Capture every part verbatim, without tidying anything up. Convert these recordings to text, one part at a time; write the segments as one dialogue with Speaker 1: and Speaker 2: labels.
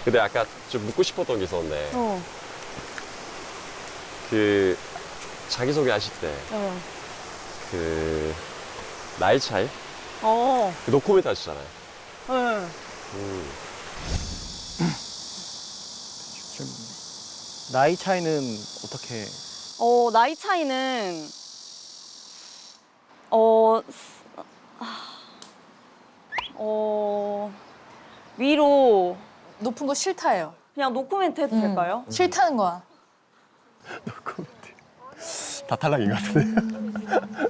Speaker 1: 근데 아까 좀 묻고 싶었던 게 있었는데
Speaker 2: 어.
Speaker 1: 그 자기소개 하실 때
Speaker 2: 어.
Speaker 1: 그 나이 차이?
Speaker 2: 어.
Speaker 1: 그 노코멘트 하시잖아요.
Speaker 2: 응.
Speaker 1: 음.
Speaker 3: 나이 차이는 어떻게?
Speaker 2: 어, 나이 차이는 어, 어, 위로
Speaker 4: 높은 거 싫다예요.
Speaker 2: 그냥 노코멘트 해도
Speaker 4: 음.
Speaker 2: 될까요?
Speaker 4: 싫다는 거야.
Speaker 1: 다 탈락인 것 같은데.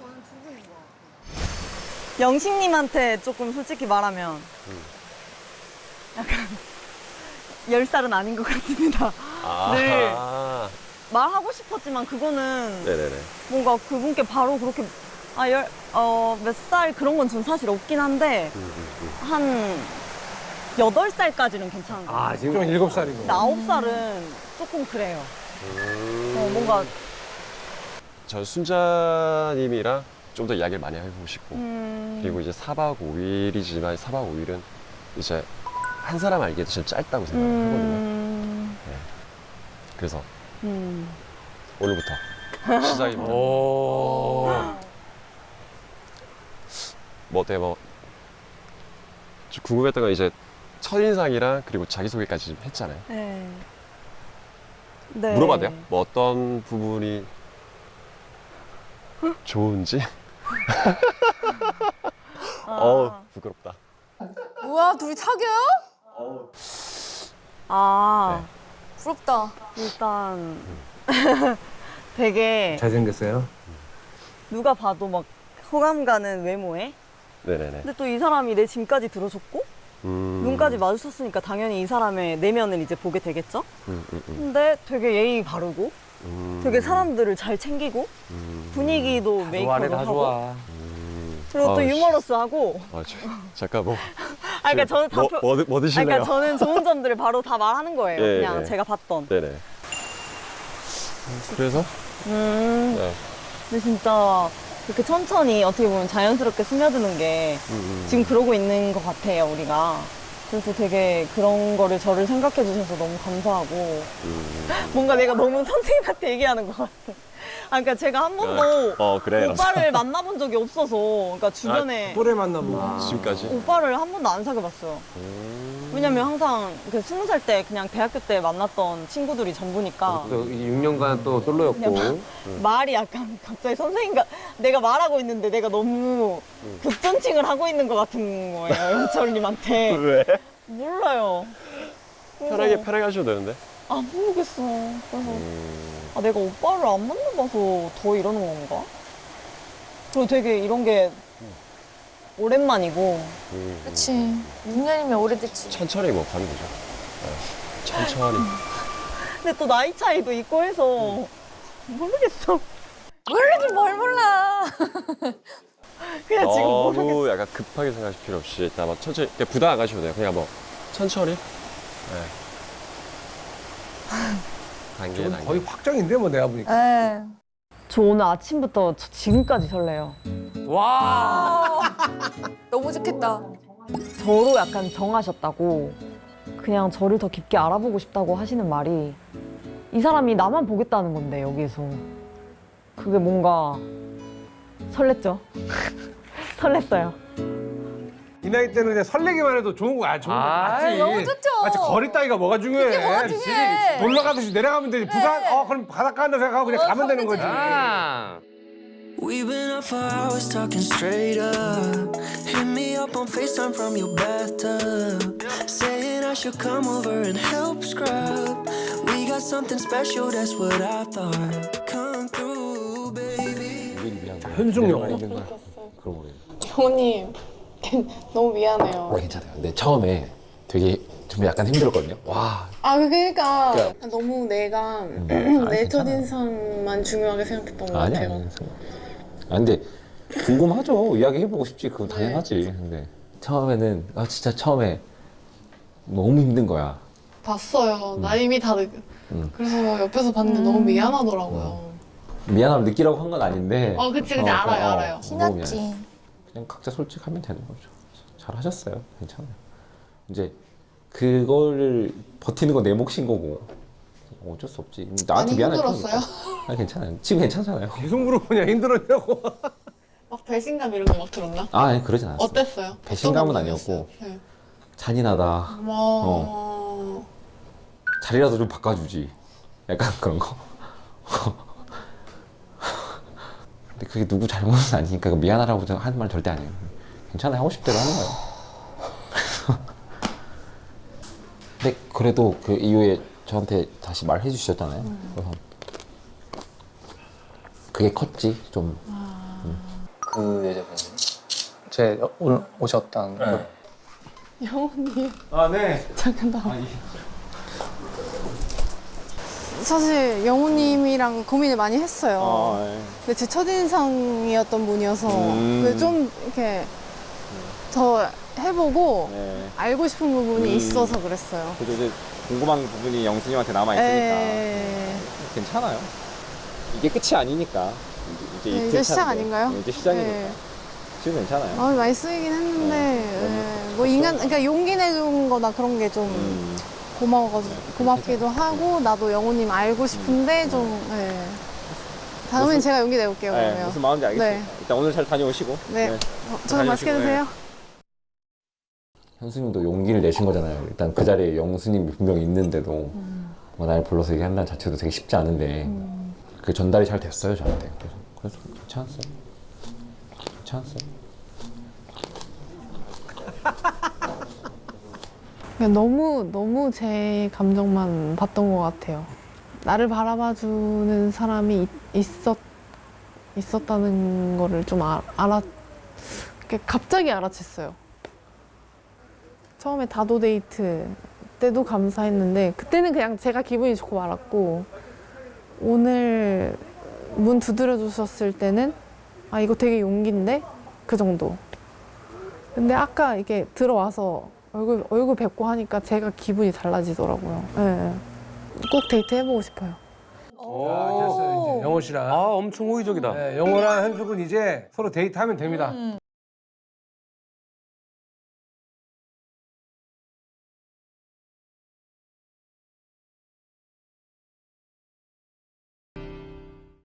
Speaker 2: 영식님한테 조금 솔직히 말하면
Speaker 1: 음.
Speaker 2: 약간 열 살은 아닌 것 같습니다.
Speaker 1: 아.
Speaker 2: 네. 말하고 싶었지만 그거는
Speaker 1: 네네네.
Speaker 2: 뭔가 그분께 바로 그렇게 아, 열, 어, 몇 살 그런 건 전 사실 없긴 한데
Speaker 1: 음, 음, 음.
Speaker 2: 한 여덟 살까지는 괜찮은 것 같아요.
Speaker 3: 아 지금 일곱 살이고.
Speaker 2: 근데 아홉 살은 조금 그래요.
Speaker 1: 음.
Speaker 2: 어, 뭔가
Speaker 1: 전 순자님이랑 좀 더 이야기를 많이 해보고 싶고
Speaker 2: 음,
Speaker 1: 그리고 이제 사 박 오 일이지만 사 박 오 일은 이제 한 사람 알기에도 진짜 짧다고 생각을 하거든요.
Speaker 2: 음,
Speaker 1: 그래서
Speaker 2: 음.
Speaker 1: 오늘부터 시작입니다.
Speaker 3: 오.
Speaker 1: 뭐 어때요? 뭐 좀 궁금했던 건 이제 첫인상이랑 그리고 자기소개까지 좀 했잖아요.
Speaker 2: 네. 네.
Speaker 1: 물어봐도 돼요? 뭐 어떤 부분이 좋은지?
Speaker 2: 아,
Speaker 1: 어우 부끄럽다.
Speaker 4: 뭐야, 둘이 사겨요?
Speaker 2: 아,
Speaker 4: 부럽다.
Speaker 2: 일단 되게
Speaker 3: 잘생겼어요?
Speaker 2: 누가 봐도 막 호감 가는 외모에
Speaker 1: 네네네.
Speaker 2: 근데 또 이 사람이 내 짐까지 들어줬고
Speaker 1: 음.
Speaker 2: 눈까지 마주쳤으니까 당연히 이 사람의 내면을 이제 보게 되겠죠?
Speaker 1: 음, 음, 음.
Speaker 2: 근데 되게 예의 바르고
Speaker 1: 음.
Speaker 2: 되게 사람들을 잘 챙기고
Speaker 1: 음.
Speaker 2: 분위기도 메이커로
Speaker 3: 다
Speaker 2: 하고
Speaker 3: 좋아.
Speaker 1: 음.
Speaker 2: 그리고 또
Speaker 1: 아우,
Speaker 2: 유머러스하고
Speaker 1: 아, 저, 잠깐 뭐.
Speaker 2: 아 그러니까 저는 다
Speaker 1: 뭐,
Speaker 2: 표-
Speaker 1: 뭐, 드- 뭐
Speaker 2: 아니,
Speaker 1: 드실래요?
Speaker 2: 그러니까 저는 좋은 점들을 바로 다 말하는 거예요.
Speaker 1: 예,
Speaker 2: 그냥
Speaker 1: 예.
Speaker 2: 제가 봤던.
Speaker 1: 네네. 그래서?
Speaker 2: 음.
Speaker 1: 네.
Speaker 2: 근데 진짜 이렇게 천천히 어떻게 보면 자연스럽게 스며드는 게
Speaker 1: 음, 음.
Speaker 2: 지금 그러고 있는 것 같아요, 우리가. 그래서 되게 그런 거를 저를 생각해 주셔서 너무 감사하고
Speaker 1: 음.
Speaker 2: 뭔가 내가 너무 선생님한테 얘기하는 것 같아. 아, 그러니까 제가 한 번도
Speaker 1: 어, 그래.
Speaker 2: 오빠를 만나본 적이 없어서 그러니까 주변에
Speaker 3: 또래 만나보고.
Speaker 1: 지금까지?
Speaker 2: 오빠를 한 번도 안 사귀어봤어요.
Speaker 1: 음.
Speaker 2: 왜냐면 항상 그 스무 살 때 그냥 대학교 때 만났던 친구들이 전부니까
Speaker 3: 또 육 년간 또 솔로였고.
Speaker 2: 그냥 말이 약간 갑자기 선생님과 내가 말하고 있는데 내가 너무 극존칭을 하고 있는 것 같은 거예요, 영철님한테.
Speaker 1: 왜?
Speaker 2: 몰라요. 그래서
Speaker 1: 편하게, 편하게 하셔도 되는데.
Speaker 2: 아, 모르겠어. 그래서
Speaker 1: 음.
Speaker 2: 아, 내가 오빠를 안 만나봐서 더 이러는 건가? 그리고 되게 이런 게 오랜만이고
Speaker 1: 음.
Speaker 4: 그치. 육 년이면 오래됐지.
Speaker 1: 천천히 뭐 가는 거죠. 네. 천천히.
Speaker 2: 근데 또 나이 차이도 있고 해서 모르겠어.
Speaker 4: 모르긴 뭘 몰라.
Speaker 2: 그냥 지금 모르겠어.
Speaker 1: 너무 약간 급하게 생각하실 필요 없이 일단 뭐 천천히 그냥 부담 안 가셔도 돼요. 그냥 뭐 천천히. 네. 단계
Speaker 3: 저건
Speaker 1: 단계.
Speaker 3: 거의 확정인데 뭐 내가 보니까.
Speaker 4: 에.
Speaker 2: 저 오늘 아침부터 저 지금까지 설레요.
Speaker 3: 와.
Speaker 4: 너무 좋겠다.
Speaker 2: 저로 약간 정하셨다고 그냥 저를 더 깊게 알아보고 싶다고 하시는 말이 이 사람이 나만 보겠다는 건데 여기에서 그게 뭔가 설렜죠. 설렜어요.
Speaker 3: 이 나이 때는 그냥 설레기만 해도 좋은 거야. 좋은 거 맞지.
Speaker 4: 너무 좋죠.
Speaker 3: 맞지. 거리 따위가 뭐가 중요해.
Speaker 4: 그게 뭐가 중요해.
Speaker 3: 집이 놀러 가듯이 내려가면 되지. 부산 어 그럼 바닷가 한다 생각하고 그냥
Speaker 4: 어,
Speaker 3: 가면 되는
Speaker 4: 가면
Speaker 3: 거지.
Speaker 4: 되지.
Speaker 5: We've been up for hours talking straight up. Hit me up on FaceTime from your bathtub. Saying I should come over and help scrub. We got something special, that's what I thought. Come through, baby.
Speaker 3: 현숙 영화.
Speaker 6: 그러고 그래요.
Speaker 7: 정우님 너무 미안해요.
Speaker 6: 어, 괜찮아요. 근데 처음에 되게 좀 약간 힘들었거든요. 와,
Speaker 7: 아 그러니까
Speaker 6: 그러니까-
Speaker 7: 너무 내가
Speaker 6: 음,
Speaker 7: 내
Speaker 6: 아니,
Speaker 7: 첫인상만 중요하게 생각했던 것
Speaker 6: 아니야.
Speaker 7: 같아요.
Speaker 6: 아니야. 아, 근데 궁금하죠. 이야기해보고 싶지. 그건 당연하지. 근데 처음에는 아 진짜 처음에 너무 힘든 거야.
Speaker 7: 봤어요. 나 이미 다 느...
Speaker 6: 음.
Speaker 7: 그래서 옆에서 봤는데 너무 미안하더라고요.
Speaker 6: 미안하면 느끼라고 한 건 아닌데.
Speaker 7: 어 그치 그치 알아요 알아요.
Speaker 6: 너무
Speaker 4: 티났지.
Speaker 6: 미안해. 그냥 각자 솔직하면 되는 거죠. 잘 하셨어요. 괜찮아요. 이제 그거를 버티는 건 내 몫인 거고 어쩔 수 없지. 나한테
Speaker 7: 많이
Speaker 6: 미안할 필요는
Speaker 7: 힘들었어요?
Speaker 6: 없어. 아 괜찮아요. 지금 괜찮잖아요.
Speaker 3: 계속 물어보냐 힘들었냐고.
Speaker 7: 막 배신감 이런 거 막 들었나?
Speaker 6: 아 아니, 그러진 않았어.
Speaker 7: 어땠어요?
Speaker 6: 배신감은
Speaker 7: 어떤
Speaker 6: 아니었고.
Speaker 7: 부분이었어요? 네.
Speaker 6: 잔인하다.
Speaker 7: 어...
Speaker 6: 자리라도 좀 바꿔주지. 약간 그런 거. 근데 그게 누구 잘못은 아니니까 미안하라고 하는 말 절대 아니에요. 괜찮아요. 하고 싶대로 하는 거예요. 근데 그래도 그 이후에 저한테 다시 말해 주셨잖아요. 그래서 그게 컸지 좀.
Speaker 8: 그 여자분 제 오늘 오셨던 그
Speaker 7: 영훈님
Speaker 6: 아 네.
Speaker 7: 잠깐 나 사실 영훈님이랑 고민을 많이 했어요.
Speaker 6: 아, 네.
Speaker 7: 근데 제 첫인상이었던 분이어서
Speaker 6: 음.
Speaker 7: 그좀 이렇게 더 해보고
Speaker 6: 네.
Speaker 7: 알고 싶은 부분이
Speaker 6: 음.
Speaker 7: 있어서 그랬어요.
Speaker 6: 그래도 이제 궁금한 부분이 영수님한테 남아
Speaker 7: 에...
Speaker 6: 괜찮아요. 이게 끝이 아니니까. 이제,
Speaker 7: 네,
Speaker 6: 이틀
Speaker 7: 이제 시작
Speaker 6: 차인데.
Speaker 7: 아닌가요?
Speaker 6: 네, 이제 시작이니까.
Speaker 7: 네.
Speaker 6: 지금 괜찮아요.
Speaker 7: 마음이 많이 쓰이긴 했는데
Speaker 6: 네.
Speaker 7: 예, 뭐 인간 그러니까 용기 내준 거나 그런 게 좀
Speaker 6: 음.
Speaker 7: 고마워가지고 고맙기도 하고 나도 영호님 알고 싶은데 좀 예. 다음엔
Speaker 6: 무슨-
Speaker 7: 제가 용기 내볼게요
Speaker 6: 네,
Speaker 7: 그러면.
Speaker 6: 무슨 마음인지 알겠습니다.
Speaker 7: 네.
Speaker 6: 일단 오늘 잘 다녀오시고.
Speaker 7: 네. 어, 저녁 맛있게
Speaker 6: 다녀오시고,
Speaker 7: 드세요.
Speaker 6: 현수님도 용기를 내신 거잖아요. 일단 그 자리에 영수님이 분명히 있는데도 뭐 날 불러서 얘기한다는 자체도 되게 쉽지 않은데 그 전달이 잘 됐어요 저한테. 그래서, 그래서 괜찮았어요. 괜찮았어요.
Speaker 7: 그냥 너무 너무 제 감정만 봤던 것 같아요. 나를 바라봐주는 사람이 있, 있었 있었다는 거를 좀 아, 알아 이렇게 갑자기 알아챘어요. 처음에 다도 데이트 때도 감사했는데 그때는 그냥 제가 기분이 좋고 말았고 오늘 문 두드려 주셨을 때는 아 이거 되게 용기인데 그 정도. 근데 아까 이게 들어와서 얼굴 얼굴 뵙고 하니까 제가 기분이 달라지더라고요. 예. 꼭 데이트 해보고 싶어요.
Speaker 3: 오, 됐어요 이제 영호 씨랑.
Speaker 1: 아 엄청 호의적이다.
Speaker 3: 네, 영호랑 현숙은 이제 서로 데이트하면 됩니다.